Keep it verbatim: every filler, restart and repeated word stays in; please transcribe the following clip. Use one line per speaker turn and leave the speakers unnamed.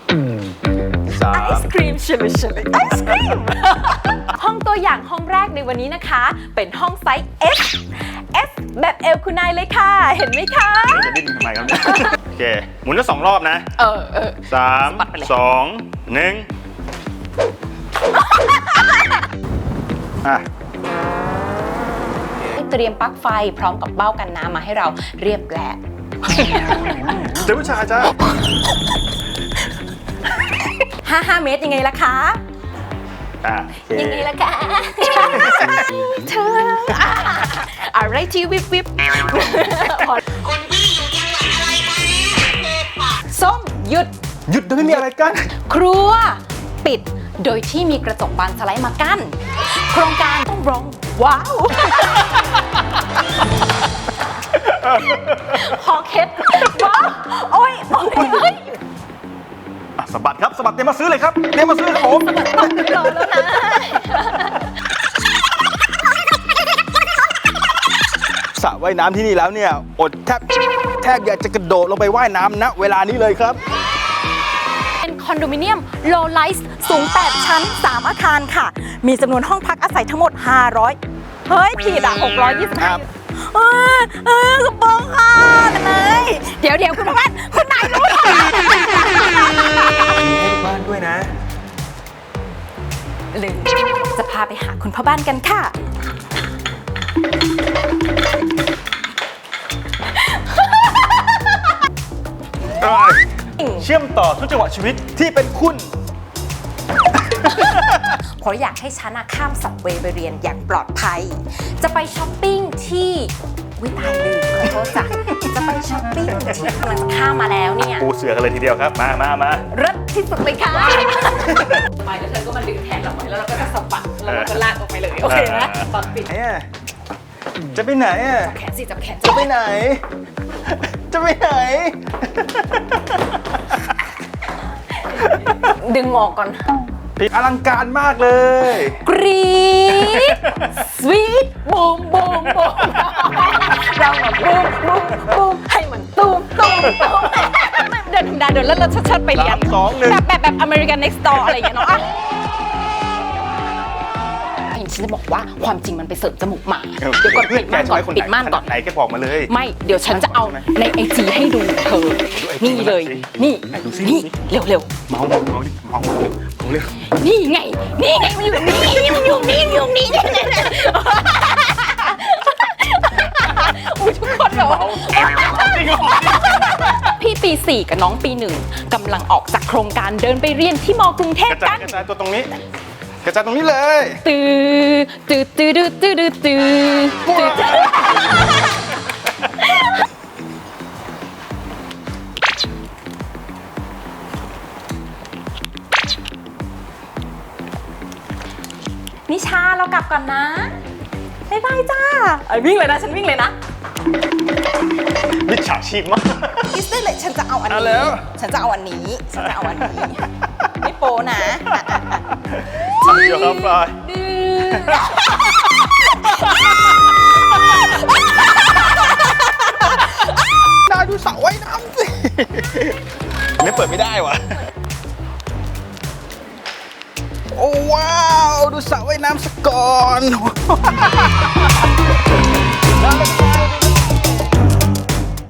ไอศครีมชิลลี่ชิลลี่ไอศครีม ห้องตัวอย่างห้องแรกในวันนี้นะคะ เป็นห้องไซส์ S S แบบเอลคุณนายเลยค่ะ เห็นไหมคะ
จะดิ้นทำไมครับเนี่ยโอเคหมุนแล้วสองรอบนะ
เออเออ
สามสองหนึ่งอ่ะ
เตรียมปลั๊กไฟพร้อมกับเบ้ากันน้ำมาให้เราเรียบแล้
เจ้าผู้ชายจ้า
ห้าห้าเมตรยังไงล่ะคะ
อ่ะ
ยังไงล่ะคะ เธออ่ะอะไรที่วิบวิบ
คุณพี่อยู่จังหวัดอะไรคะ
ส้มหยุด
หยุดเดี๋ยวไม่มีอะไรกัน
ครัว ปิดโดยที่มีกระจกบานสไลด์มากั้น โครงการต้องร้องว้าว คอเคล็ดว้าวโอ้ยโอ้ยเฮ้ย
อ่ะสะบัดครับสะบัดเตรียมมาซื้อเลยครับเตรียมมาซื้อครับผม
ไม่รอแล้วนะ
สระว่ายน้ำที่นี่แล้วเนี่ยอดแทบแทบอยากจะกระโดดลงไปว่ายน้ำณเวลานี้เลยครับ
เป็นคอนโดมิเนียมโลไลซ์สูง แปด ชั้น สาม อาคารค่ะ มีจำนวนห้องพักอาศัยทั้งหมด ห้าร้อย เฮ้ย ผิดอ่ะ หกร้อยยี่สิบ
ครั
ห้า
บ
เออเออกระโปรงค่ะนายเดี๋ยวเดี๋ยวคุณพ่อบ้านคุณนายรู้เหรอ
มีให้บ้านด้วยนะ
หรือจะพาไปหาคุณพ่อบ้านกันค่ะ
เชื่อมต่อทุกจังหวะชีวิตที่เป็นคุณ
เพราะอยากให้ฉันอะข้ามสับเวย์ไปเรียนอย่างปลอดภัย จะไปช้อปปิ้งที่วิตายลืมขอโทษจ้ะจะไปช้อปปิ้งที่กำลังจะข้ามมาแล้วเนี่ย
ปูเสือกันเลยทีเดียวครับ มามามา
เลิศที่สุดเลยค่ะไปแล้วเธอก็มาดึงแขนเราไว้แล้วเราก็จะสะบัดแล้วเราก็ลากออกไปเลย โอเคนะตอนปิด
ไหนอ่ะจะไปไหนอ่ะ
จับแขนสิจับแขน
จะไปไหน จะไปไหน
ดึงออกก่อน
ผิดอลังการมากเลย
กรี๊ดสวีทบูมบูมบูมเราแบบบูมบูมบูมให้มันตูมตูมตูมเดินธรรมดาเดินแล้วเราชัดๆไปเรียน
สามสองหนึ่ง
แบบแบบแบบ American Next Door อะไรอย่างเงี้ยเนาะอ่ะฉันจะบอกว่าความจริงมันไปเสริมจมูกหมาเดี๋ยวก่อนปิดม่านก่อนปิดม่านก่อน
ไหนแกบอกมาเลย
ไม่เดี๋ยวฉันจะเอาในไอจีให้ดูเธอ นี่เลย นี่
ดูสิ
นี่เร็วเร็ว
เมาเมาเมาดิเมาเมาเร็ว
ๆนี่ไง นี่ไงมันอยู่นี่มันอยู่นี่มันอยู่นี่อุ้ยทุกคนแบบว่าพี่ปีสี่กับน้องปีหนึ่งกำลังออกจากโครงการเดินไปเรียนที่มกรุงเทพ
กระจา
กั
ย
น
กระจายตัวตรงนี้ กระจายตรงนี้เลย
ตื้อตื้อตื้อตื้อตื้อตื้อตื้อนิชาเรากลับก่อนนะบ๊ายบายจ้าไอ้วิ่งเลยนะฉันวิ่งเลยนะ
มิจฉาชีพมาก
อิสเตอร์เลยฉันจะเอาอัน
เอา
นี้
แล้ว
ฉันจะเอาอันนี้ฉันจะเอาอันนี้ไม่โปนะ
เดี๋ยวครับปลาย
ดื้อ
น่าดูสระว่ายน้ำสิไม่เปิดไม่ได้วะโอ้ว้าว ดูสระว่ายน้ำสก่อน